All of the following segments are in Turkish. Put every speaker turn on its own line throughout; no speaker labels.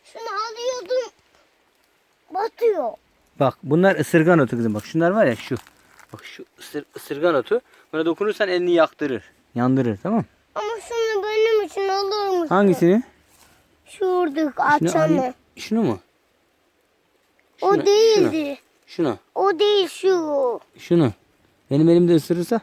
Şunu alıyordum. Batıyor.
Bak bunlar ısırgan otu kızım. Bak şunlar var ya şu. Bak şu ısırgan otu. Buna dokunursan elini yaktırır. Yandırır, tamam.
Ama şunu benim için olur musun?
Hangisini?
Şuradaki açanı.
Şunu mu?
O
Şunu,
değildi.
Şunu.
O değil şu.
Şunu. Benim elimde ısırırsa.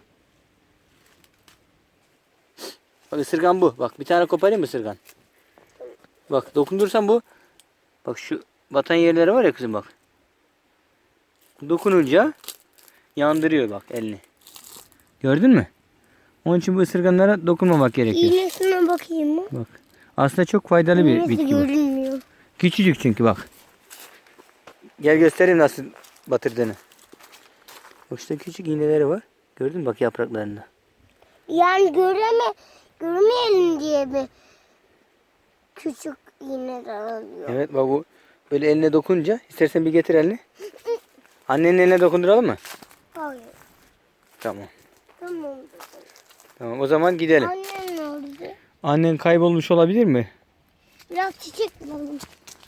Bak ısırgan bu. Bak bir tane koparayım mı ısırgan? Bak dokundursan bu. Bak şu batan yerleri var ya kızım bak. Dokununca yandırıyor bak elini. Gördün mü? Onun için bu ısırganlara dokunmamak gerekiyor.
İğnesine bakayım mı?
Bak. Aslında çok faydalı bir
İğnesi
bitki bu.
görünmüyor.
Küçücük çünkü bak. Gel göstereyim nasıl batırdığını. Bak işte küçük iğneleri var. Gördün mü bak yapraklarında.
Yani görmeyelim diye mi küçük iğneler alıyor?
Evet bak bu böyle eline dokununca istersen bir getir elini. Annenin eline dokunduralım mı?
Hayır.
Tamam.
Tamam.
Tamam o zaman gidelim.
Annem nerede?
Annen kaybolmuş olabilir mi?
Biraz çiçek bulalım.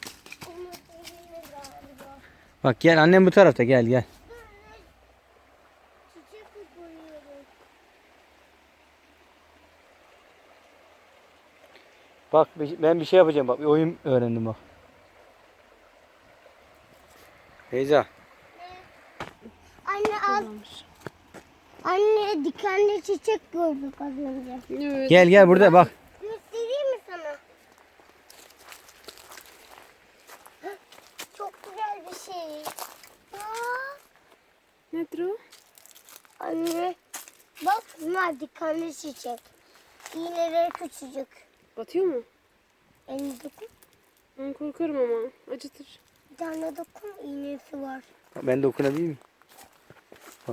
Bak gel annem bu tarafta gel gel.
Çiçek koyuyorum.
Bak ben bir şey yapacağım bak bir oyun öğrendim bak. Beyza.
Anne al. Anne dikenli çiçek gördük az önce.
Evet.
Gel burada bak.
Göstereyim mi sana? Hah, çok güzel bir şey. Aa,
Nedir o?
anne bak bunlar dikenli çiçek. İğneleri küçücük.
Batıyor mu?
Elini dokun.
Ben korkarım ama. Acıtır.
Bir tane dokun iğnesi var.
Ben dokunabilir miyim? Bak.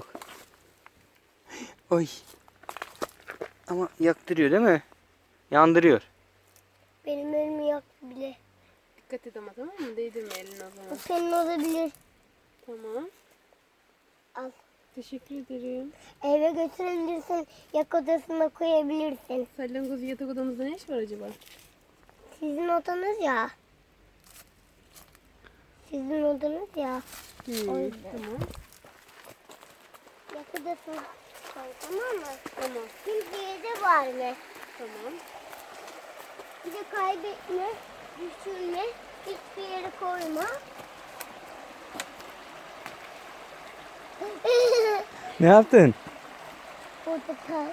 Oy. Ama yaktırıyor değil mi? Yandırıyor.
Benim elimi yaktı bile.
Dikkat et ama, tamam mı? Değdirme elini o
Bu
zaman.
senin olabilir.
Tamam.
Al.
Teşekkür ederim.
Eve götürebilirsin. Yak odasına koyabilirsin.
Salyangoz yatak odamızda ne iş var acaba?
Sizin odanız ya. Sizin odanız ya. O yüzden.
Tamam.
Yak odasına koy, tamam mı?
Tamam.
Kimseye de verme.
Tamam.
Bir de kaybetme, düşürme, hiçbir yere koyma.
Ne yaptın?
Portakal.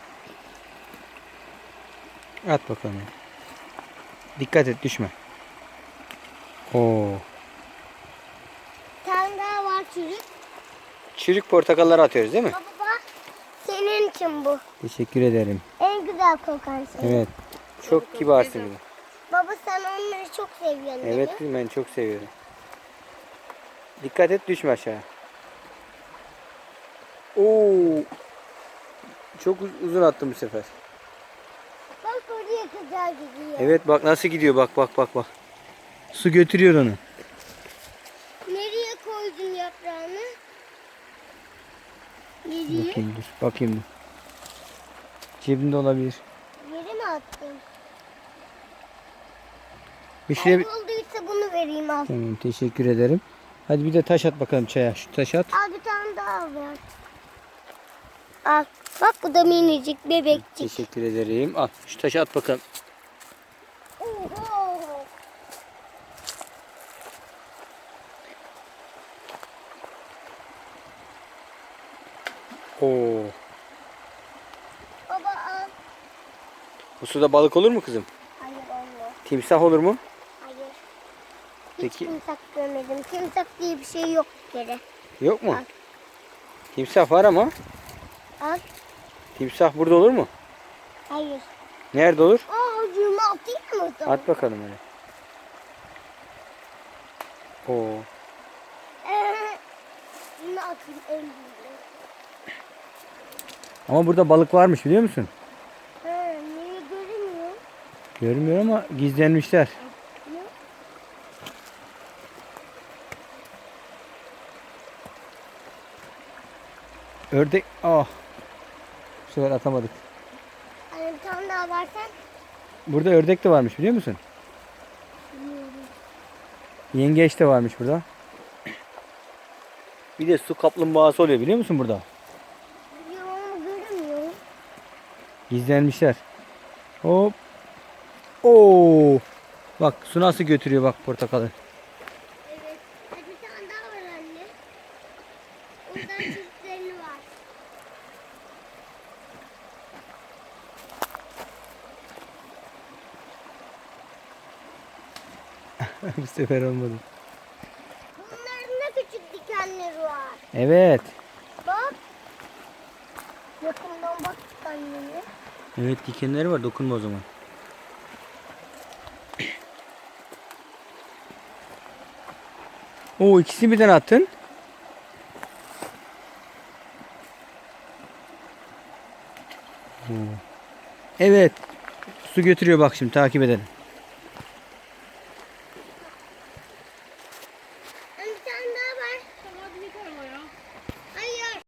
At bakalım. Dikkat et düşme. Oo.
Bir tane daha var çocuk.
Çürük portakalları atıyoruz değil mi?
Baba bak, senin için bu.
Teşekkür ederim.
En güzel kokan şey.
Evet. Çok kibarsın kızım.
Baba sen onları çok seviyorsun dedi.
Evet kızım ben çok seviyorum. Dikkat et düşme aşağı. Oo. Çok uzun attım bu sefer.
Bak oraya kadar gidiyor.
Evet bak nasıl gidiyor bak bak bak bak. Su götürüyor onu.
Nereye koydun yaprağını? Nereye?
Bakayım dur. Bakayım dur. Cebinde olabilir.
Yere mi attın?
Bir şey...
Kaybolduysa bunu vereyim al.
Tamam teşekkür ederim. Hadi bir de taş at bakalım çaya. Şu taş at.
Al bir tane daha ver. Al. Bak bu da minicik bebekçik.
Teşekkür ederim. Al şu taşı at bakalım.
Oho.
Oo.
Baba al.
Bu suda balık olur mu kızım?
Hayır olmaz.
Timsah olur mu?
Hayır. Hiç
Peki.
timsak görmedim. Timsak diye bir şey yok bir kere.
Yok mu?
Al.
Timsah var ama.
Al.
Timsah burada olur mu?
Hayır.
Nerede olur?
Aa ucunu atayım mı?
At bakalım öyle. Oo.
Bunu atayım en büyüğü.
Ama burada balık varmış biliyor musun?
Niye görünmüyor?
Görmüyor ama gizlenmişler.
Yok.
Ördek. Ah. Bu sefer atamadık.
Hani bir tane daha versen.
Burada ördek de varmış biliyor musun?
Bilmiyorum.
Yengeç de varmış burada. Bir de su kaplumbağası oluyor biliyor musun burada?
Biliyorum ama göremiyorum.
Gizlenmişler. Hop. Oo. Bak su nasıl götürüyor bak portakalı.
Evet. Hadi bir tane daha var anne. Ondan çiftleri var.
Bu sefer olmadı.
Bunların da küçük dikenleri var.
Evet.
Bak. Yakından bak annene.
Evet dikenleri var. Dokunma o zaman. Oo ikisini birden attın. Oo. Evet. Su götürüyor bak şimdi takip edelim.